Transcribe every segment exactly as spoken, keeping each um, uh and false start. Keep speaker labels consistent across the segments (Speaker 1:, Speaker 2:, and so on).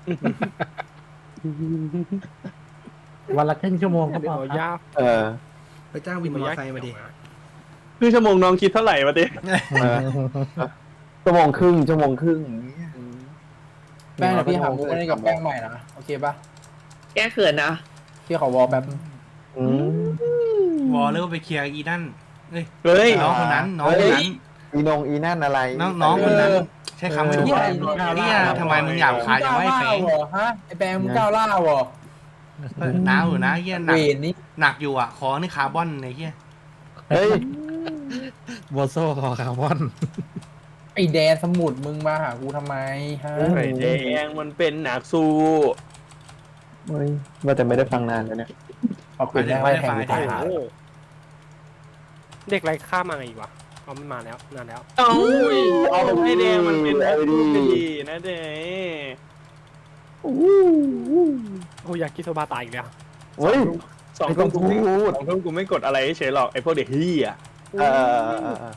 Speaker 1: วันละครึ่งชั่วโมงก็พอครับ
Speaker 2: ยาก
Speaker 3: เออ
Speaker 4: ไปจ้างวินมอเตอร์ไซค์มาดิ
Speaker 5: ครึ่งชั่วโมงน้องคิดเท่าไหร่มาดิ
Speaker 3: เออชั่วโมงครึ่งชั่วโมงครึ่ง
Speaker 6: แป้งเดี๋ยวพี่หามุกเล่นกับแป้งใหม่นะโอเคปะ
Speaker 7: แก้เขินนะ
Speaker 6: พี่ขอวอลแป๊บ
Speaker 3: อืม
Speaker 2: วอลเลิกไปเคลียร์อีนั่นเอ้ย
Speaker 5: เฮ้ย
Speaker 2: น้องคนนั้นน้องคนนั้น
Speaker 3: อีนงอีนั่นอะไร
Speaker 2: น้องน้องคนนั้นใช้คำไม่ถูก
Speaker 6: เหี้ย
Speaker 2: เนี่ยทำไมมึงหยาบคายจังวะไอ้แฟง
Speaker 6: เหรอฮะไอแป้งมึงก้าวล่าวเหรอ
Speaker 2: เออน้าอยู่นะเฮียหนั
Speaker 6: เว
Speaker 2: ก
Speaker 6: นนี่
Speaker 2: หนักอยู่อ่ะคอนี่คาร์บอนไอ้เฮีย
Speaker 3: เฮ้ย
Speaker 1: โบโซคอคาร์บอน
Speaker 6: ไอแดนสมุดมึงมาหากูทำไมฮะ
Speaker 5: ไข่แดงมันเป็นหนักสู้
Speaker 3: เฮ้ยว่าแต่ไม่ได้ฟังนานแล้วเนี่ย
Speaker 6: ขอบคุณแม่ให้แทงกูตายหา
Speaker 2: เด็กไรข้ามาไงอีกวะเขาไม่มาแล้วนานแล้ว
Speaker 5: เอ้ยเอาไข่แดงมันเป็นหนักสู้ดีนะเด้
Speaker 2: โอ้อยากกินโซบาตายอีกแล้ว
Speaker 3: เฮ้ย
Speaker 5: สอง
Speaker 3: ไม่
Speaker 5: ทุ่
Speaker 3: ต้อ
Speaker 5: ม
Speaker 3: ง
Speaker 5: กู
Speaker 3: พู
Speaker 5: ไม่
Speaker 3: ด
Speaker 5: สองทุ่มกูไม่กดอะไรเฉยหรอกไอ้พวกเด็กเฮีย
Speaker 3: เออเออเออเออ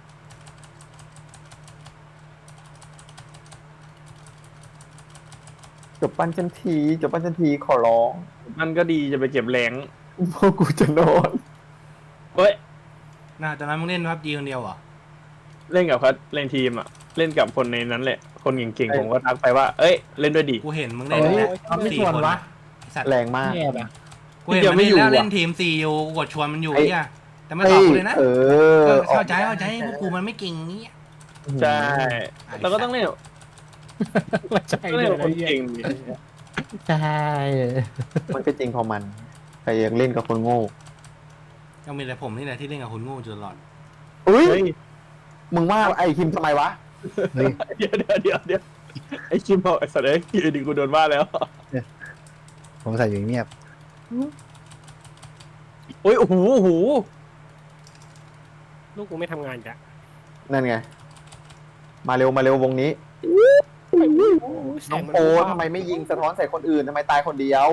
Speaker 3: จบปั้นฉันทีจบปั้นฉันทีขอร้อง
Speaker 5: มันก็ดีจะไปเก็บแรง
Speaker 3: พวกกูจะนอน
Speaker 5: เฮ้ย
Speaker 2: น่าตอนนั้นมึงเล่นพับจีคนเดียวเหรอ
Speaker 5: เล่นกับเขาเล่นทีมอ่ะเล่นกับคนในนั้นแหละคนเก่งๆผมก็ทักไปว่า เอ้ยเล่นด้วยดิ
Speaker 2: กูเห็นมึงเล่น
Speaker 1: เฮ้ย
Speaker 2: แล้ว
Speaker 1: ทำไม่
Speaker 2: สี่
Speaker 1: ชวน
Speaker 2: คน
Speaker 1: วะ
Speaker 2: ไอ้สัตว์
Speaker 3: แรงมาก
Speaker 1: แย่ปะ
Speaker 2: กูเห็นมันเล่นแล้วเล่นทีมสี่อยู่กูกดชวนมันอยู่เนี่ยแต่ไม่ตอบกูเลยนะ
Speaker 3: เออ
Speaker 2: เออเข้าใจเข้าใจพวกกูมันไม่เก่งนี้ย
Speaker 5: ใช่เราก็ต้องเล่น
Speaker 1: ใช่
Speaker 5: ต้อง
Speaker 1: เล
Speaker 5: เล่น
Speaker 1: ย
Speaker 5: กับคนเก่งดิ
Speaker 1: ใช่
Speaker 3: มันก็จริงของมันใครยังเล่นกับคนโง่
Speaker 2: ยังมีแต่ผมนี่แหละที่เล่นกับคนโง่จนตลอด
Speaker 3: อุ้ย
Speaker 5: เฮ้ย
Speaker 3: มึงว่าไอ้คิมทำไมวะ
Speaker 1: เฮ้ย
Speaker 5: เดี๋ยวเดี๋ยวเดี๋ยวเดี๋ยวไอ้คิมบอกไอ้สัตว์เอ้ยอยู่ดีกูโดนว่าแล้ว
Speaker 1: ผมใส่อยู่เงียบ
Speaker 5: โอ้ยโอ้โหโอ้โห
Speaker 2: ลูกกูไม่ทำงานจ้ะ
Speaker 3: นั่นไง มาเร็วมาเร็ววงนี้ น้องโปทำไมไม่ยิงสะท้อนใส่คนอื่นทำไมตายคนเดียว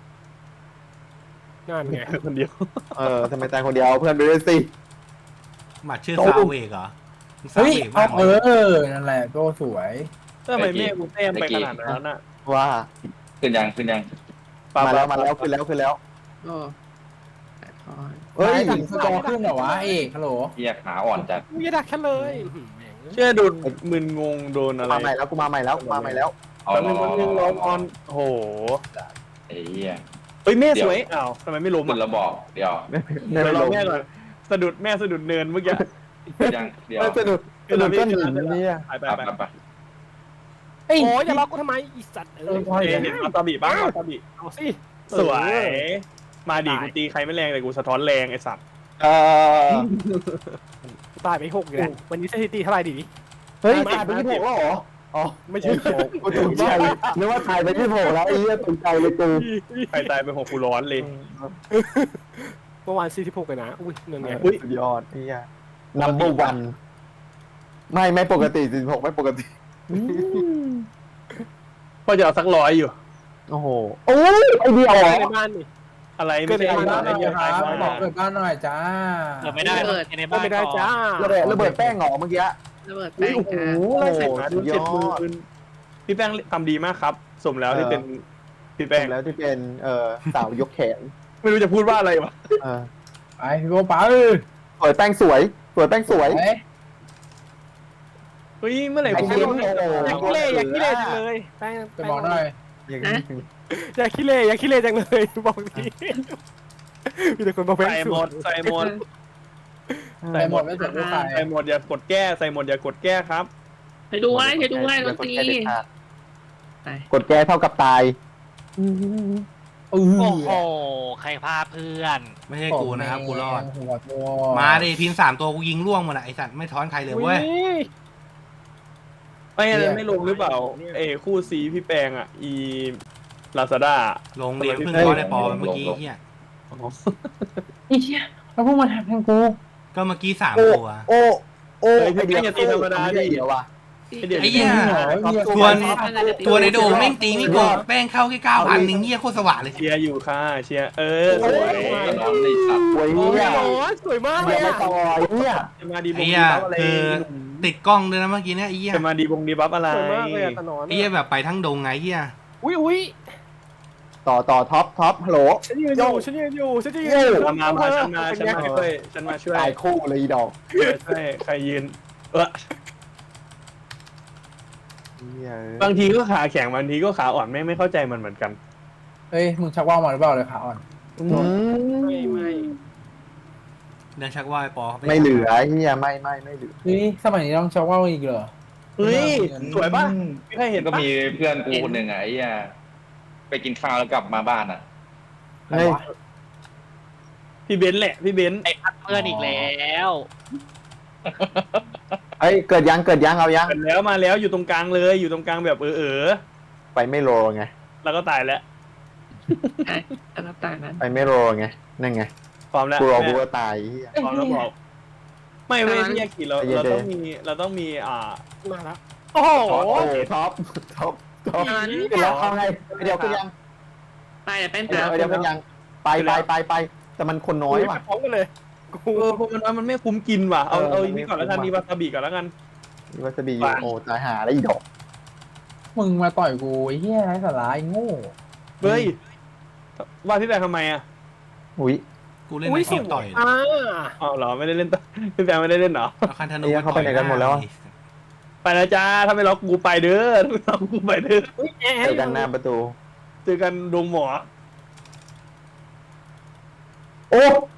Speaker 2: งานไง
Speaker 5: คนเดียว
Speaker 3: เออทำไมตายคนเดียวเอาเพื่อนไปด้วยสิ
Speaker 2: หมัดชื่อ
Speaker 3: โต้
Speaker 2: ซาเวกเหรอซา
Speaker 6: เฮ้ย
Speaker 2: เวก
Speaker 6: เอา
Speaker 2: บ้าง
Speaker 6: เอ
Speaker 2: เลย
Speaker 6: อนั่นแหละโตสวย
Speaker 5: ทำไมแม่กูแต้มไปขนาดนั้นน่ะ
Speaker 3: ว่า
Speaker 8: ขึ้นยังขึ้นยัง
Speaker 3: มาแล้วมาแล้วขึ้นแล้วขึ้นแล้ว
Speaker 7: โอ้
Speaker 3: เฮ้ย
Speaker 6: ถึงสกอร์ขึ้นเหรอวะเอกฮัลโหล
Speaker 8: เรียกขาอ่อนจัด
Speaker 2: ไม่ดักฉันเลย
Speaker 5: เชื่อโดนมึนงงโดนอะไร
Speaker 3: มาใหม่แล้วกูมาใหม่แล้วกูมาใหม่แล้ว
Speaker 8: เอา
Speaker 5: แป๊บ
Speaker 8: ร
Speaker 5: นึ
Speaker 8: อง
Speaker 5: แป๊บนึงร้อนออนโอ้โห
Speaker 8: ไอ้เหี้ย
Speaker 5: เฮ้ยแม่สวยอ้าวทำไมไม่ล้ม
Speaker 8: ขึ้น
Speaker 5: อ่ะ
Speaker 8: แล้วบอกเดี๋ยว
Speaker 5: เดี๋ยวเราแม่ก่อนสะดุดแม่สะดุดเนินเมื่อกี้
Speaker 8: ขึ้นยังเดี๋ยว
Speaker 3: ไม่สนุกสนุกก็หนีเนี่ย
Speaker 5: ไปไป
Speaker 8: ไป
Speaker 5: ไป
Speaker 8: ไปไป
Speaker 6: เอ้ย
Speaker 2: โอ้ยอย่าล็อกกูทำไมอีสัตว์เอ
Speaker 6: เออ
Speaker 2: อ
Speaker 6: พอ
Speaker 5: เห็
Speaker 6: เห็
Speaker 5: น
Speaker 6: น
Speaker 5: วาซาบิบ้างวาซาบิ
Speaker 2: เอาสิ
Speaker 5: สวย มาดิกูตีใครไม่แรงแต่กูสะท้อนแรงไอ้สัตว์
Speaker 3: เออ
Speaker 2: ตายไปหกอยู่แล้ววันนี้สถิติเท่าไหร่ดี
Speaker 3: เฮ้ยตายไปที่หกแล้วเหรออ๋อ
Speaker 2: ไม่ใช่หก
Speaker 3: กูตกใจนึกว่าตายไปที่หกแล้วไอ้เหี้ยตกใจเลยกู
Speaker 5: ใครตายไปหกกูร้อนเลย
Speaker 2: เมื่อวานสี่สิบหกเลยนะอุ้ยเงินไง
Speaker 3: อุ้ยสุดยอดไอ้เหี้ย number one ไม่ไม่ปกติสิบหกไม่ปกติ
Speaker 5: พอจะเอาสักร้อยอยู่
Speaker 3: โอ้โหโอ้ยไอเดียวเหรอ
Speaker 2: ในบ้านนี่
Speaker 5: อะไรไม่ใช่
Speaker 6: เกิดบ้าน
Speaker 5: ไอ้
Speaker 6: หน่
Speaker 5: เหี้
Speaker 6: อย ย
Speaker 5: ตาย
Speaker 6: ครับ
Speaker 5: มา
Speaker 6: บอกเกิดบ้านหน่อยจ้า
Speaker 2: เกิดไม่ได้
Speaker 7: ระเบิด
Speaker 2: ในบ้านไม่ได้จ้า
Speaker 3: ระเบิดระเบิดแป้งเหรอเมื่อกี้
Speaker 7: ระเบิด
Speaker 5: อุ้
Speaker 7: แป้
Speaker 5: ย
Speaker 7: ง
Speaker 5: โอ้โห
Speaker 7: ค่ะ
Speaker 5: ไล่ใส่หมา
Speaker 3: สุ
Speaker 5: ดู
Speaker 3: ดยอด
Speaker 5: เจ็ดหมื่นพี่แป้งทำดีมากครับ สมแล้วที่เป็นพี่
Speaker 3: แป้
Speaker 5: แป้
Speaker 3: ง
Speaker 5: ง
Speaker 3: แล้วที่เป็นเอ่อสาวยกแขน
Speaker 5: ไม่รู้จะพูดว่าอะไรวะ
Speaker 3: เออ
Speaker 6: ไปพี่โบไป
Speaker 3: สวยแป้งสวยสวยแป้งสวย
Speaker 6: เฮ้ย
Speaker 5: เฮ้ยเมื่อไหร่
Speaker 3: ไอ้
Speaker 5: กู
Speaker 3: เชี่
Speaker 5: ไม่
Speaker 3: ย
Speaker 5: รู้
Speaker 3: โอ้โห
Speaker 2: อยากขี้เล่อยากขี้เล่จังเลยแป้ง
Speaker 6: จะบอกหน่อย
Speaker 3: อย่างนี้
Speaker 2: อยากขี้เล่อยากขี้เล่จังเลยบอกทีมีแต่คนบอกแป้ง
Speaker 5: ใส่หมดใส่หมด
Speaker 6: ใส่หมดไม่สนลูกใคร
Speaker 5: ใส่หมดอย่ากดแก้ใส่หมดอย่ากดแก้ครับ
Speaker 7: ไปดูไว้ไปดูไว้ดนตรี
Speaker 3: กดแก้เท่ากับตาย
Speaker 6: เออ
Speaker 9: โอ้โห ใครพาเพื่อน
Speaker 2: ไม่ใช่กูนะครับกูรอด
Speaker 6: หัวตัว
Speaker 2: มาดิทีมสามตัวกูยิงล่วงหมดอะไอสัตว์ไม่ท้อนใครเลยเว้ย
Speaker 5: ไม่อะไรไม่ลงหรือเปล่าเอคู่ซีพี่แปงอ่ะอีลาซาด้า
Speaker 2: ลงเรียนเพิ่งท้อนได้ปอเมื่อกี้เฮีย
Speaker 6: ไอ้เหี้ยแล้วพวกมันทำทางกู
Speaker 2: ก็เมื่อกี้สาม
Speaker 3: โอ้
Speaker 2: ตัว
Speaker 3: โอ้โอ้
Speaker 5: ไอ้พี่แป้งอย่าตีธรรมดาดิ
Speaker 3: เดียวว่ะ
Speaker 2: ไอ้เหี้ย ตัวตัวในโดมแม่งตีไม่โกงแป้งเข้าแค่เก้าพันหนึ่งเฮียโคตรสว่างเลย
Speaker 5: เชียร์อยู่ค่ะเชียร์เออสวย
Speaker 8: น้องในสัตว์
Speaker 3: สวยเนี่ย
Speaker 2: สวยมากเล
Speaker 3: เดี๋ย
Speaker 2: ยว
Speaker 3: ไป
Speaker 2: อะ
Speaker 3: ต่อยเนี่ย
Speaker 5: จะมาดีบ
Speaker 2: ไอ้
Speaker 5: ง
Speaker 2: เหี้
Speaker 5: ดี
Speaker 2: ย
Speaker 5: บัฟอะไร
Speaker 2: คือติดกล้องด้วยนะเมื่อกี้เนี่ยไอ้เหี้ย
Speaker 5: จะมาดีบงดีบัฟอะไร
Speaker 2: สวยมากเลยอะตะนอนไอ้เหี้ยแบบไปทั้งดงไงเหี้ย
Speaker 10: อุ้ยอุ้ย
Speaker 3: ต่อต่อท็อปท็อปฮัลโหล
Speaker 10: ฉันยืนอยู่ฉันยืนอยู่ฉันยืนอยู่
Speaker 5: มามามาฉันมาฉันมาช่วยฉันมาช่วย
Speaker 3: ตายคู่เลยอีดอก
Speaker 5: ช่วยใครยืนเออ
Speaker 3: เหี้ย
Speaker 5: บางทีก็ขาแข็งบางทีก็ขาอ่อนไม่ไม่เข้าใจมันเหมือนกัน
Speaker 6: เฮ้ยมึงชักว่าวมาหรือเปล่าเลยขาอ่อน
Speaker 3: อื
Speaker 10: ไม่ไม่
Speaker 2: เดินชักว่าวไอ้ปอ
Speaker 3: ไม่เหลือเฮียไม่ไม่ไม่เหลือ
Speaker 6: เฮ้ยสมัยนี้ต้องชักว่าวอีกเหรอ
Speaker 5: เฮ้ยสวยปะไม่เคยเห็น
Speaker 8: ก็
Speaker 5: ปะ
Speaker 8: มีเพื่อนกูคนหนึ่งอ่ะไอ้เหี้ยไปกินข้าวแล้วกลับมาบ้านอ่ะ
Speaker 6: ใครวะ
Speaker 5: พี่เบนซ์แหละพี่เบนซ์
Speaker 9: ไอ้พัดเพื่อนอีกแล้ว
Speaker 3: เอ้ยเกิดยังเกิดยังเอายัง
Speaker 5: เกิดแล้วมาแล้วอยู่ตรงกลางเลยอยู่ตรงกลางแบบเออเออ
Speaker 3: ไปไม่โรไง
Speaker 5: แล้วก็ตายแล้ว
Speaker 7: ใช่อันนั้นต่างนั้น
Speaker 3: ไปไม่โรไงนั่นไง
Speaker 5: พร้อมแล้ว
Speaker 3: กูรอ
Speaker 5: แม่
Speaker 3: กูก็ตายเฮีย
Speaker 5: พร้อมแล้วบอกไม่เว้ยพี่ยากิเรา
Speaker 3: ใจเย็น
Speaker 5: เราต้องมีเราต้องมีอ่า
Speaker 10: มาแล้วโอ้โห
Speaker 3: ท็อปโอ้ท็อปท็อปท็อปเดี๋ยวเอาไงเดี๋ยวขึ้นยัง
Speaker 7: ตายแต่แป้ง
Speaker 3: เดี๋ย
Speaker 7: ตาว
Speaker 3: เดี๋ยวขึ้นยังไปไปไปไปแต่มันคนน้อยว่ะ
Speaker 10: พร้อมกันเลยกู
Speaker 5: เออพวกมันว่ามันไม่คุ้มกินว่ะเอา
Speaker 3: เออ
Speaker 5: เอา
Speaker 3: มัน
Speaker 5: อัน
Speaker 3: ไม่
Speaker 5: นี้ก่อนแล้วกัน
Speaker 3: คุ้ม
Speaker 5: มี
Speaker 3: ว่ะ
Speaker 5: วาซาบิก่อนแล้วกัน
Speaker 3: มีวาซาบิอยู่โอ้ตายหาแล้วอีดอก
Speaker 6: มึงมาต่อยกูไอ้เหี้ยไร้สาระไอ้โง่
Speaker 5: เฮ้ยว่าพี่แบงค์ทำไมอ่ะ
Speaker 3: อุ้ย
Speaker 2: กูเล่น
Speaker 10: อุ้ย
Speaker 2: ใน
Speaker 10: ส
Speaker 2: เกม
Speaker 10: ว
Speaker 2: ต่อย
Speaker 10: ยอ่า
Speaker 5: อ๋อเหรอไม่ได้เล่นต่อ พี่แบงค์ไม่ได้เล่นเหรอ
Speaker 2: เอาคันธนู
Speaker 3: เอ้ยเขาไปไหนกันหมดแล้วอะ
Speaker 5: ไปแล้วจ้าถ้าไม่ล็อกกูไปเด้อถ้าไม่ล็อกกูไปเด้อ
Speaker 10: อุ้ยแอ
Speaker 3: เจอกันหน้าประตู
Speaker 5: เจอกันดงหมอ
Speaker 3: โอ้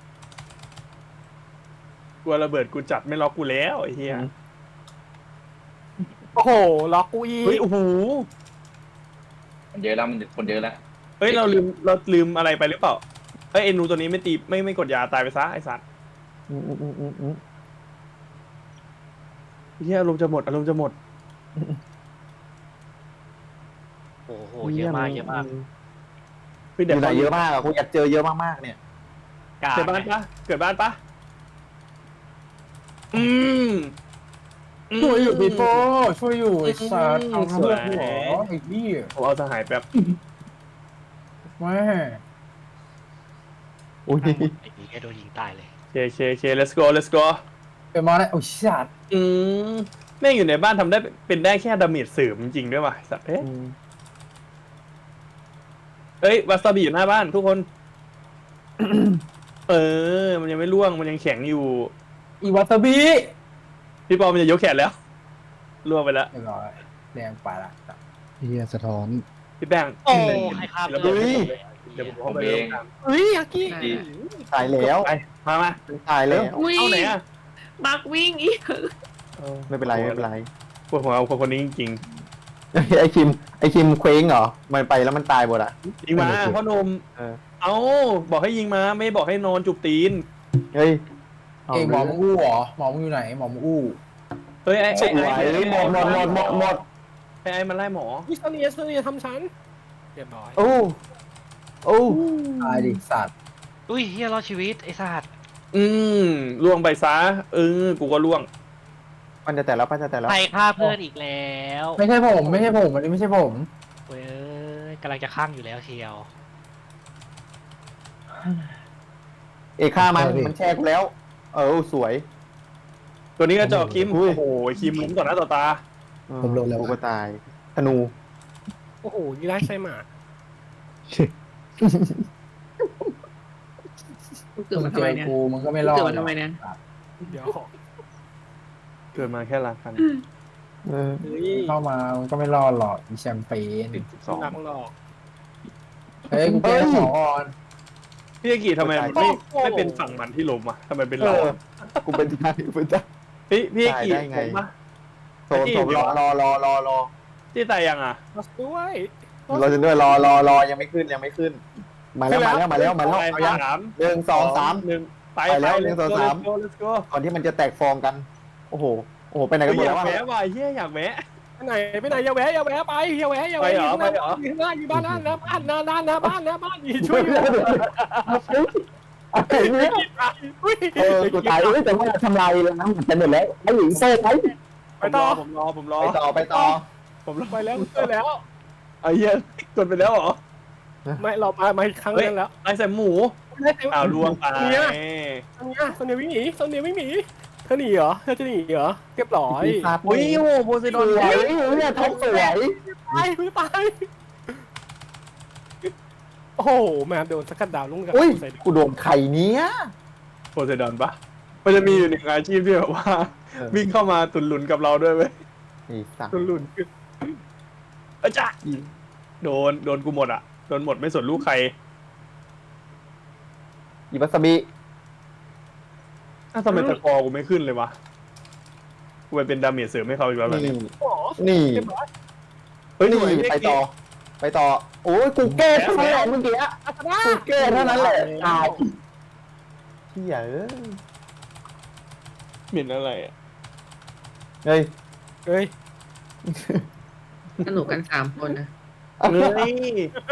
Speaker 5: กลัวระเบิดกูจัดไม่ล็อกกูแล้วไอ้เหี้ย
Speaker 10: โอ้โหล็อกกูอี
Speaker 5: เฮ้ยโอ้โห
Speaker 8: มันเยอะแล้วมันคนเยอะแล้ว
Speaker 5: เฮ้ยเราลืมเราลืมอะไรไปหรือเปล่าเฮ้ยเอ็นูตัวนี้ไม่ตีไม่ไม่กดยาตายไปซะไอ้สัตว์
Speaker 3: อืมอืมอืมอืมอืม
Speaker 5: เหี้ยอารมณ์จะหมดอารมณ์จะหมด
Speaker 9: โอ้โหเยอะมากเยอะมาก
Speaker 5: เฮ้ย
Speaker 3: อ
Speaker 5: เดี๋ยว
Speaker 3: ยู่ไหนเยอะมากอะกูอยากเจอเยอะมากๆเนี่ย
Speaker 9: กล้า
Speaker 5: เกิดบ้านปะเกิดบ้านปะอืมม
Speaker 6: ช่วยอยู่พี่โป้ช่วยอยู่ไอ้สัตว์เอา
Speaker 5: สวย
Speaker 6: หัวไอ้เหี้ย
Speaker 5: ผมเอาสหายแป๊บ
Speaker 6: แม่
Speaker 3: อุ้ย
Speaker 9: ไอ้นี่แค่โดนยิงตายเลย
Speaker 5: เคเคเค let's go let's go
Speaker 6: เป็นมาได้โอ้ยสัตว์
Speaker 5: อืมแม่งอยู่ในบ้านทำได้เป็นได้แค่ดาเมจเสริมจริงๆด้วยว่ะสัตว์เอ้ยเอ้ยวาซาบิอยู่หน้าบ้านทุกคน เออ มันยังไม่ร่วงมันยังแข็งอยู่
Speaker 6: อีวาซาบิ
Speaker 5: พี่ปอมันจะยกแขนแล้วร่วงไปแล้ว
Speaker 6: เรียบร้อยแดงไปละ
Speaker 1: เฮียสะท้อน
Speaker 5: พี่แป้ง
Speaker 9: โอ้ใครฆ่า
Speaker 5: แล้ว
Speaker 9: เพื่อน
Speaker 5: เดี๋ยวผม
Speaker 8: ผ
Speaker 5: เข้าม ไป
Speaker 8: เอ
Speaker 5: เอง
Speaker 8: ง
Speaker 10: เฮ้ยอากี้
Speaker 8: ดี
Speaker 3: ตายแล้ว
Speaker 5: ไปมามา
Speaker 3: ตายแล้ว
Speaker 7: อุ้ย
Speaker 5: เอาไหนอ่ะ
Speaker 7: บักวิ่งอีก
Speaker 3: ไม่เป็นไรไม่เป็นไร
Speaker 5: ปวดหัวคนคนนี้จริง
Speaker 3: ไอ้คิมไอ้คิมเคว้งเหรอมันไปแล้วมันตายหมดอะ
Speaker 5: ๆยิงมาพ่อหนม
Speaker 3: เออ
Speaker 5: เอาบอกให้ยิงมาไม่บอกให้นอนจุบตีน
Speaker 3: เฮ้ย
Speaker 6: เอ้ยหมอมึงอู้เหรอหมอมึงอยู่ไหนหมอมึงอู้
Speaker 5: เฮ้ยไอ้
Speaker 3: ส
Speaker 5: ไอ้
Speaker 3: วย
Speaker 5: ไอ้ไอ้
Speaker 3: หมดหมดหมดหมดหมด
Speaker 5: ไอ้ไอ้มันไล่หมอ
Speaker 10: วิสเนียสเนียทำฉันเรียบร้อย
Speaker 3: โอ้โอ้
Speaker 6: ตายดิสัตว์
Speaker 9: อุ้ยเฮียรอดชีวิตไอ้สัตว์
Speaker 5: อืมล่วงไปซะเออกูก็ล่วง
Speaker 3: ปันจะแต่แล้วปันจะแต่แล้ว
Speaker 9: ใครฆ่าเพื่อนอีกแล้ว
Speaker 6: ไม่ใช่ผมไม่ใช่ผมอันนี้ไม่ใช่ผม
Speaker 9: เว้ยกำลังจะข้างอยู่แล้วเชียว
Speaker 3: เอกฆ่ามันมันแช่กูแล้ว เออสวย
Speaker 5: ตัวนี้ก็จอกคิม
Speaker 3: อุ้ย
Speaker 5: โอ้โหคิมล้มต่อหน้าต่อตา
Speaker 1: ผมโดนแล้ว
Speaker 3: กูก็ตายธนู
Speaker 10: โอ้โหยีราฟไซมา
Speaker 7: มึงเกิด
Speaker 6: มึ
Speaker 7: มาง
Speaker 6: เจ
Speaker 7: ทำไม
Speaker 6: อ
Speaker 7: เนี่ย
Speaker 6: กูมึงก็ไม่
Speaker 7: มึง
Speaker 6: รอด
Speaker 7: เกิดมาทำไมเนี่ย
Speaker 10: เดี๋ยว
Speaker 5: เกิดมาแค่ละคัน
Speaker 3: เออ
Speaker 10: เฮ้ย
Speaker 6: เข้ามามึงก็ไม่รอดหรอกมีแชมเปญ
Speaker 5: ติดสิบสอง
Speaker 10: หนักหรอก
Speaker 6: เฮ้ยกูแก้สองอ่อน
Speaker 5: พี่อากิทำไมมันไม่ไม่เป็นฝั่งมันที่ล้มอ่ะทำไมเป็น
Speaker 3: เอ
Speaker 5: เรา
Speaker 3: อกูเป็นตายเป็นตาย
Speaker 5: พี่พี่อากิ
Speaker 3: ตายได้ไง
Speaker 5: ล้มปะ
Speaker 3: โซนโซนรอรอรอรอรอ
Speaker 5: ที่ตายยังอ่ะ
Speaker 10: มาด้วย
Speaker 3: รอจนด้วยรอรอรอยังไม่ขึ้นยังไม่ขึ้น มาแล้วมาแล้วมาแล้วมาแล้ว
Speaker 5: ไป
Speaker 3: เอายัง
Speaker 5: สาม
Speaker 3: หนึ่งสองสาม
Speaker 5: หนึ่งไป
Speaker 3: ไปแล้ว
Speaker 5: ไป
Speaker 3: หนึ่งสอง
Speaker 5: let's go
Speaker 3: สาม
Speaker 5: let's go let's go
Speaker 3: ก่อนที่มันจะแตกฟองกัน โอ้โหโอ้โหไปไหนกันหมด
Speaker 5: อ
Speaker 3: แล้
Speaker 5: ยาว ก
Speaker 3: วะ
Speaker 5: แวะว่ะเฮียอยากแวะ
Speaker 10: ไปไหนไปไหนอย่าแวะอย่าแวะไปอย่าแวะอย่าแวะ
Speaker 5: ไปเหรอ
Speaker 10: อยู่ข้างหน้า
Speaker 5: ไปเหรอ
Speaker 10: อยู่ข้างหน้าอยู่บ้านหน้านะบ้านหน้าบ้านหน้าบ้านหน้าบ้านอยู่ช่วยอยู่อุ้ย
Speaker 3: เออกูตายเอ้ยแต่ว่าทำลายแล้วนะมันจะหมดแล้วไอ้หญิงโซ่ไป
Speaker 10: ไปต่อ
Speaker 5: ผมรอผมรอ
Speaker 3: ไป
Speaker 5: ผมรอ
Speaker 3: ต่อไปต่อ
Speaker 5: ผมรอ
Speaker 10: ไปแล้วช่วยแล้ว
Speaker 5: ไอ้เหี้ยกดไปแล้วเหรอ
Speaker 10: ไม่เรามามาอีกครั้งนึงแล้ว
Speaker 5: ไอ้ใส่หมู
Speaker 10: ไม่ได้
Speaker 5: อ้าวลวงไป
Speaker 10: เนี่ยโซเนียโซเนียวิ่งหนีโซเนียวิ่งหนีเธอหนีเหรอเธอจะหนีเหรอเรียบร้อย
Speaker 5: อุ้ยโอ้โหโพไซ
Speaker 3: ส
Speaker 5: ดอน
Speaker 3: วยเนี่ยท็อปสวย
Speaker 10: ตายไม่ตายโหแมนโดนสกัดดาวลุงกับ
Speaker 3: อุ้ย
Speaker 10: ใส่ดาว
Speaker 3: กูโดนไข่เนี้ย
Speaker 5: โพไซดอนปะมันจะมีอยู่หนึ่งอาชีพที่แบบว่า
Speaker 3: เออ
Speaker 5: วิ่งเข้ามาตุนหลุนกับเราด้วยเว้ย
Speaker 3: ไอ้สัตว์
Speaker 5: ตุนหลุนอาจารย์โดนโดนกูหมดอ่ะโดนหมดไม่สนลูกใคร
Speaker 3: อีวาซาบิ
Speaker 5: ถ้าวทำไมตะกอกูไม่ขึ้นเลยวะกูไปเป็นดาเมจเสริมให้เขาอีกแล้วเหรอ
Speaker 3: นี่
Speaker 5: เนี่ย
Speaker 10: โอ้โห
Speaker 3: นี่
Speaker 10: เรียบร้อย
Speaker 5: เฮ้ย
Speaker 3: นี่
Speaker 5: หน่วย
Speaker 3: ไปต่อ ไปต่อ โอ้ยกูแก้เท่านั้นแหละเมื่อกี้
Speaker 10: อาสนะ
Speaker 3: กูแก้เท่านั้นแหละตายเฮียเอ้ย
Speaker 5: เหม็นอะไรอะ
Speaker 3: เฮ้ย
Speaker 10: เฮ้ย
Speaker 7: สนุกกันสามคนนะ
Speaker 5: เฮ้ย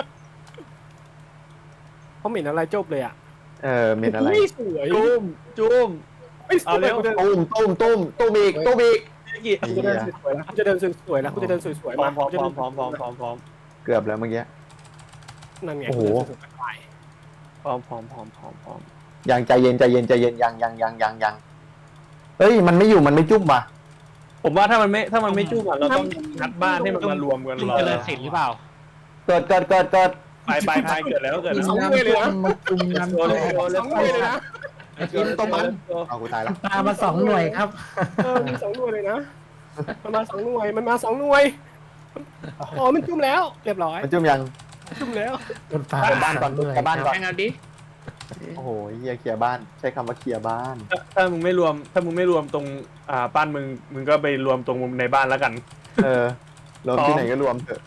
Speaker 10: เขาเหม็นอะไรจบเลยอ่ะ
Speaker 3: เออเมนอะไร
Speaker 10: ไม่สวย
Speaker 5: จุ้มจุ้ม
Speaker 10: ไม่ส
Speaker 5: เอา
Speaker 10: วย
Speaker 5: เร็ว
Speaker 10: กูเดิน
Speaker 3: ตุ้มตุ้มตุ้มตุ้มอีกตุ้มอีก
Speaker 5: พี่กิ
Speaker 3: ไอ้
Speaker 10: กู
Speaker 3: เหี้
Speaker 10: จะ
Speaker 3: ย
Speaker 10: เดินสวยๆแล้วกูจะเดินสวยๆแล้วกูจะเดินสวย
Speaker 5: พ
Speaker 10: ๆ
Speaker 5: ร้อ
Speaker 10: มาม
Speaker 5: พร้อม
Speaker 10: กูจะ
Speaker 5: พร้อ
Speaker 10: เดิ
Speaker 5: ม
Speaker 10: น
Speaker 5: พร้อมพร้อมพร้อมพร้อม
Speaker 3: เกือบแล้วเมื่อกี้
Speaker 10: นั่นไง
Speaker 3: โอ้โห
Speaker 10: กูจะเดินสวยๆไป
Speaker 5: พร้อมพร้อมพร้อมพร้อมพร้อม
Speaker 3: ยังใจเย็นใจเย็นใจเย็นยังยังยังยังยังเฮ้ยมันไม่อยู่มันไม่จุ่มว่ะ
Speaker 5: ผมว่าถ้ามันไม่ถ้ามันไม่จุ้มอะเราต้องงัดบ้านให้มันมารวมกัน
Speaker 9: จุ่ม
Speaker 5: รอ
Speaker 9: เจริญศิลป์หรือเปล่า
Speaker 3: เกิดเกิดเกิดเกิด
Speaker 5: ไปไปไปเกิดแล้วเกิดแล้ว
Speaker 10: สองหน่วยเลยนะ
Speaker 6: มาจุ่มกัน
Speaker 5: โดนเลยโดน
Speaker 10: ส
Speaker 5: เลย
Speaker 10: องหน่วยเลยนะ
Speaker 3: ไอ้กินต้มมันเอากูตายแล้ว
Speaker 6: ตามมาสองหน่วยครับ
Speaker 10: เออมีสองหน่วยเลยนะมันมาสองหน่วยมันมาสองหน่วยอ๋อมันจุ่มแล้วเรียบร้อย
Speaker 3: มันจุ่มยัง
Speaker 10: จุ่มแล้ว
Speaker 6: โดนปลาก
Speaker 3: ลับบ้านก่อนกลับบ้านก่อน
Speaker 7: แป้งเอาดิ
Speaker 3: โอ้โหเฮียเคลียร์บ้านใช้คำว่าเคลียร์บ้าน
Speaker 5: ถ้าถ้ามึงไม่รวม ถ้ามึงไม่รวมตรงอ่าบ้านมึงมึงก็ไปรวมตรงมุมในบ้านแล้วกัน
Speaker 3: เออรวมที่ไหนก็รวมเถอะ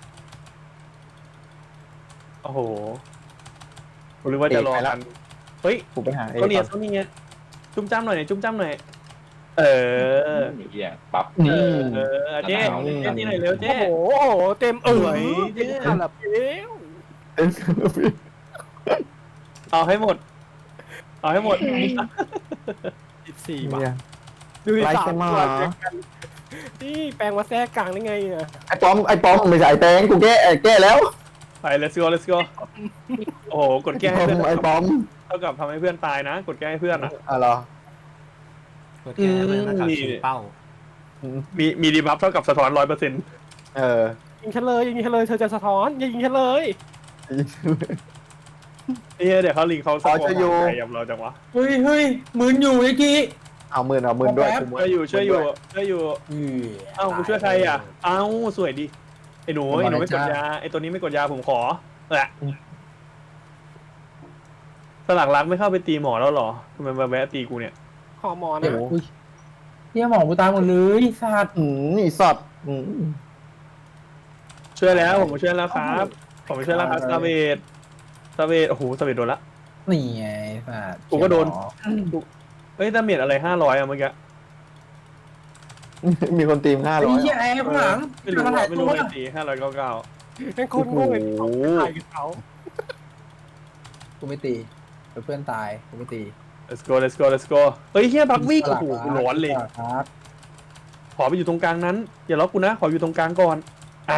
Speaker 5: โอ้โหหรือว่าจะรอกันเฮ้ย
Speaker 3: กูไปหาเอ
Speaker 5: เขา
Speaker 3: ง
Speaker 5: เนีย
Speaker 3: ก่อน
Speaker 5: เขาเนียจุ้มจ้ำหน่อยหน่อยจุ้มจ้ำหน่อยเออ
Speaker 8: ไอ้เหี้ยปั๊บ
Speaker 3: นี่
Speaker 5: เออเจ๊เจ๊นี่หน่อยเร็ว
Speaker 10: โอ้
Speaker 5: เจ๊
Speaker 10: โหโอ้โหเต็มเอ๋
Speaker 5: สวย
Speaker 10: ย
Speaker 5: เจ๊
Speaker 10: คาราเบล
Speaker 3: เอ็น
Speaker 5: เอาให้หมด เอาให้หมด
Speaker 10: สิบสี่บาท
Speaker 3: เนี่ย
Speaker 10: ดูดิ
Speaker 3: ไลฟ์
Speaker 10: สาม
Speaker 3: เซมา
Speaker 10: ตัวเจอกันนี่แปลงมาแทรกกลางได้ไงอ่ะ
Speaker 3: ไอ้ป้อมไอ้ป้อมไม่ใช่ไอ้แตงกูแก้แก้แล้ว
Speaker 5: ไป let's go let's go โอ้โหกดแก้ให้
Speaker 3: ป้อ
Speaker 5: เพื่อน
Speaker 3: มไอ้ป้อม
Speaker 5: เท่ากับทำให้เพื่อนตายนะ กดแก้ให้เพื่อนอ่ะ
Speaker 3: อ่ะเหรอ
Speaker 2: กดแก้เพื่อนแล้วกับชิงเป้า
Speaker 5: มีมีดีบัฟเท่ากับสะท้อนร้อยเปอร์เซ็นต์
Speaker 3: เออ
Speaker 10: ยิงฉันเลยยิงฉันเลยเธอจะสะท้อนอย่ายิงฉันเลย
Speaker 5: เอ้ยเดี๋ยวเขาลิงเขาสะ
Speaker 3: อ๋อ
Speaker 5: ท้อน
Speaker 3: จะอยู่
Speaker 5: ใจยำเราจังวะ
Speaker 6: เฮ้ยเฮ้ยหมืนอยู่ไอ้กี้
Speaker 3: เอาหมื่นเอาหมื่นด้วย
Speaker 6: แป๊บ
Speaker 3: กูหมื่
Speaker 5: ช่วยอยู่ช่วยอยู่ช่วยอยู่
Speaker 6: อือ
Speaker 5: เอ้ากูช่วยใครอ่ะ เอ้าสวยดีไอ้หนูไอ้หนูไม่กดยาไอ้ตัวนี้ไม่กดยาผมขอแหละสลักรักไม่เข้าไปตีหมอแล้วเหรอทำไมมาแวะตีกูเนี่ย
Speaker 10: ฮอร์โมน
Speaker 6: เดี๋ย
Speaker 10: นะ
Speaker 6: วอุ้ยเฮียหมอกูตายหมดเลยสัตว์
Speaker 3: อืมอีสัตว์อืม
Speaker 5: ช่วยแล้วผมมาช่วยแล้วครับ ผมมาช่วยแล้วครับซาเวดซาเวดโอ้โหซาเวดโดนละ
Speaker 6: นี่ไงสัตว์
Speaker 5: กูก็โดน เฮ้ยดาเมจอะไรห้าร้อยอะเมื่อกี้
Speaker 3: มีคนตีมห้า
Speaker 6: ไอ้
Speaker 3: ร้อย
Speaker 6: เหี้ยแอร์ข้างหลัง
Speaker 5: ไม่รู้
Speaker 6: มันหลา
Speaker 5: ว่าย ไม่รู้
Speaker 6: ตัว
Speaker 5: เลยตีห้าร้อยเก้าเก้า
Speaker 10: เป็นคนโง่เลย
Speaker 3: โอ้โห
Speaker 10: ตายกับเขา
Speaker 6: กูไม่ตีเพื่อนตายกูไม่ตี
Speaker 5: let's go let's go let's go เฮ้ยเฮียบักวิ่งโอ้โหกูร้อนเลย
Speaker 6: ครับ
Speaker 5: ขอไปอยู่ตรงกลางนั้น อย่าล็อกกูนะ ขออยู่ตรงกลางก่อนอ่า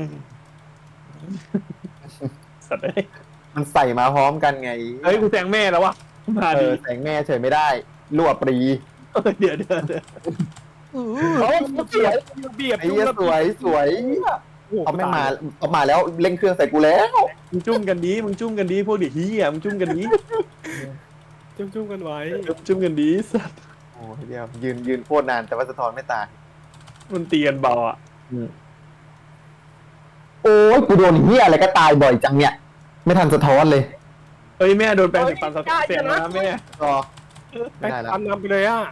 Speaker 5: สัตว์เอ้ย
Speaker 3: มันใส่มาพร้อมกันไง
Speaker 5: เฮ้ยกูแซงแม่แล้ววะมา
Speaker 3: เอ
Speaker 5: ดิ
Speaker 3: อแสงแม่เฉยไม่ได้รั่วปรี
Speaker 5: เออเดี๋ยวเดี๋ยวเดี๋ยว
Speaker 10: โอ้ยสวยเบียบ
Speaker 3: ไอ้เหี้ยสวยสวยเขาไม่มาเขามาแล้วเร่งเครื่องใส่กูแล้ว
Speaker 5: มึงจุ้มกันดีมึงจุ้มกันดีพวกเด็กเฮียมึงจุ้มกันดี
Speaker 10: จุ่มๆกันไว้
Speaker 5: จุ้มกันดีสัตว์
Speaker 3: โอ้ยเดียวยืนยืนโคตรนานแต่ว่าสะท้อนไม่ตาย
Speaker 5: มันตีกันเบาอ่ะ
Speaker 3: โอ้ยกูโดนเหี้ยอะไรก็ตายบ่อยจังเนี่ยไม่ทันสะท้อนเลย
Speaker 5: เฮ้ยแม่โดนแปลงสีฟันสะท้อนเสียงนะแม่
Speaker 3: ก็
Speaker 10: ไป
Speaker 3: ไม่ได้แล้ว
Speaker 10: ตามนำไปเลยอ่ะ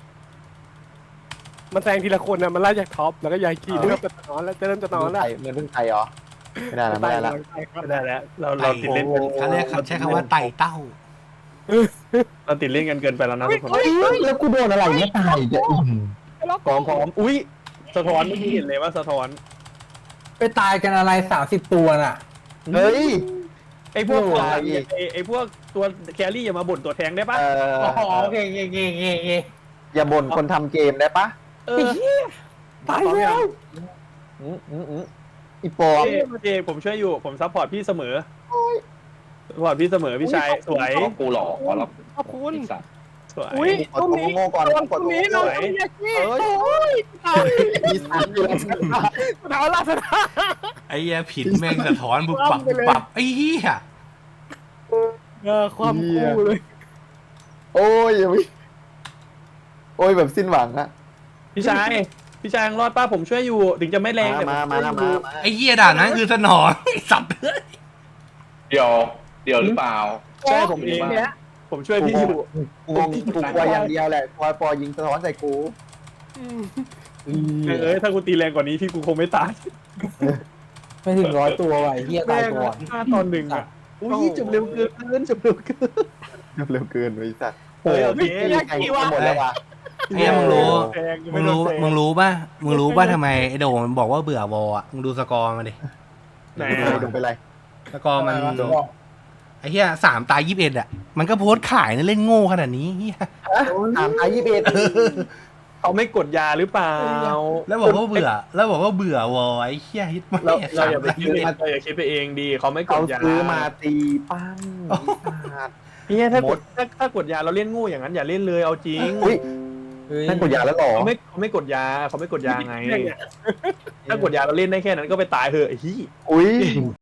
Speaker 10: มันแซงทีละคนนะมันไล่จากท็อปแล้วก็ยายขี่เริ่มจะนอนแล้วจะเริ่มจะนอนแล้ว
Speaker 3: เงินเพิ่งไทยเหรอไม่ได้แล้วไม่ได้แล้ว
Speaker 5: ไม่ได้แล้วเราเราติดเล่นกัน
Speaker 2: เขาเรียกใช้คำว่าไต่เต้า
Speaker 5: เราติดเล่นกันเกินไปแล้วนะทุกคน
Speaker 3: เฮ้ยแล้วกูโดนอะไรเนี่ยตายอีกเนี่ยอื้อหือ
Speaker 5: พร้อมพร้อมอุ้ยสะท้อนเมื่อกี้เห็นเลยว่าสะท้อน
Speaker 6: ไปตายกันอะไรสามสิบตัวน่ะ
Speaker 3: เฮ้ย
Speaker 5: ไอ้พวก
Speaker 3: โอ้
Speaker 5: ตัว
Speaker 3: ย
Speaker 5: ไอ้ไอ้พวกตัวแครี่อย่ามาบ่นตัวแทงได้ปะ
Speaker 3: เออ
Speaker 6: อ๋อโอเคโอเคโอเคโอเคโอเค
Speaker 3: อย่าบ่นคนทำเกมได้ปะ
Speaker 5: เออ
Speaker 6: ตายแล้ว
Speaker 3: อืมอืมอืมอีปอม
Speaker 5: เจเจผมช่วยอยู่ผมซัพพอร์ตพี่เสมอซัพพอร์ตพี่เสมอพี่ชายสวย
Speaker 8: ขอกูหลอกขอรับ
Speaker 10: ขอบคุณ
Speaker 8: ไอ้สัตว์
Speaker 5: สวย
Speaker 10: อุ้ย
Speaker 3: กดตัวโง่ก่อน
Speaker 10: ต
Speaker 3: ก
Speaker 10: ร
Speaker 3: ด
Speaker 10: ง
Speaker 3: ตัว
Speaker 10: นี้
Speaker 3: โง่
Speaker 10: เรา
Speaker 3: ก่อน
Speaker 10: ต้องยากี้
Speaker 3: เอ้ย
Speaker 10: โอ้ยตาย
Speaker 3: มีสามอยู่แล้ว
Speaker 10: สะท้อนละสะท้อน
Speaker 2: ไอ้เหี้ยผิดแม่งสะท้อนบุบปับบุบปับไอ้เหี้ย
Speaker 10: เออความคู่เลย
Speaker 3: โอ้ยอย่าไปโอ้ยแบบสิ้นหวังอะ
Speaker 5: พี่ชายพี่ชายยังรอดป้าผมช่วยอยู่ ถึงจะไม่แรงแต่
Speaker 3: มา
Speaker 5: ผ
Speaker 3: มา
Speaker 5: ช่วย
Speaker 3: มา
Speaker 5: อยู่
Speaker 3: มา
Speaker 2: ไอ้เหี้ยด่านนั้นคือสนองไอ้สัตว์เอ้ย
Speaker 8: เดี๋ยวเดี๋ยวหรือเปล่า
Speaker 5: ใช่ผมเอง
Speaker 10: เนี่ย
Speaker 5: ผมช่วยพี่อยู่
Speaker 3: กูงงกูกลัวอย่างเดียวแหละกลัวปอยิงสะท้อนใส่กู
Speaker 5: เอ้ยถ้ากูตีแรงกว่านี้พี่กูคงไม่ตาย
Speaker 6: ไม่ถึงร้อยตัวว่ะไอ้เหี้ยตา
Speaker 5: แม่
Speaker 6: ย
Speaker 5: ง
Speaker 6: ก่อน
Speaker 5: ห้าตอนหนึ่งอ่ะอุ้ยจบเร็วเกินจบเร็วเกิน
Speaker 3: เร็วเกินไปสัตว์
Speaker 5: เฮ้ยโอเค
Speaker 3: ตีแข่งกันหมดแล้วว่ะ
Speaker 2: ไอ้เหี้ยมึงรู้
Speaker 5: แพง
Speaker 2: มึงรู้มึงรู้ป่ะมึงรู้ป่ะทำไมไอ้โด่งมันบอกว่าเบื่อวอลอ่ะมึงดูสกอร์มาดิ
Speaker 5: ไหน
Speaker 3: ดูไปดูไปไร
Speaker 2: สกอร์มันไอ้เหี้ยสามตายยี่สิบเอ็ดอ่ะมันก็โพสต์ขายนะเล่นโง่ขนาดนี้เหี้ย
Speaker 3: ถามอายี่สิบเอ็ด
Speaker 5: เขาไม่กดยาหรือเปล่า
Speaker 2: แล้วบอกว่าเบื่อ แล้วบอกว่าเบื่อวอลไอ้เหี้ยฮิตมาก
Speaker 5: เราเรา
Speaker 2: สาม
Speaker 5: อย่าไป
Speaker 2: ตาย
Speaker 5: คิ
Speaker 2: ยี่
Speaker 5: ด
Speaker 2: สิบ
Speaker 5: เอ
Speaker 2: เอ็
Speaker 5: ง
Speaker 2: ด
Speaker 5: เราอย่าคิดไปเองดีเขาไม่ก
Speaker 3: เขา
Speaker 5: ดยา
Speaker 3: ซื้อมาตีปั้งสัตว์
Speaker 5: เนี่ยถ้ากดถ้าถ้ากดยาเราเล่นโงูอย่างนั้นอย่าเล่นเลยเอาจริง
Speaker 3: อุ้ย
Speaker 6: เฮ้ย
Speaker 3: นั่นกดยาแล้วหรอ
Speaker 5: เขาไม่เขาไม่กดยาเขาไม่กดยาไง ถ้ากดยาเราเล่นได้แค่นั้นก็ไปตายเถอะไอ้ที่
Speaker 3: อุ้ย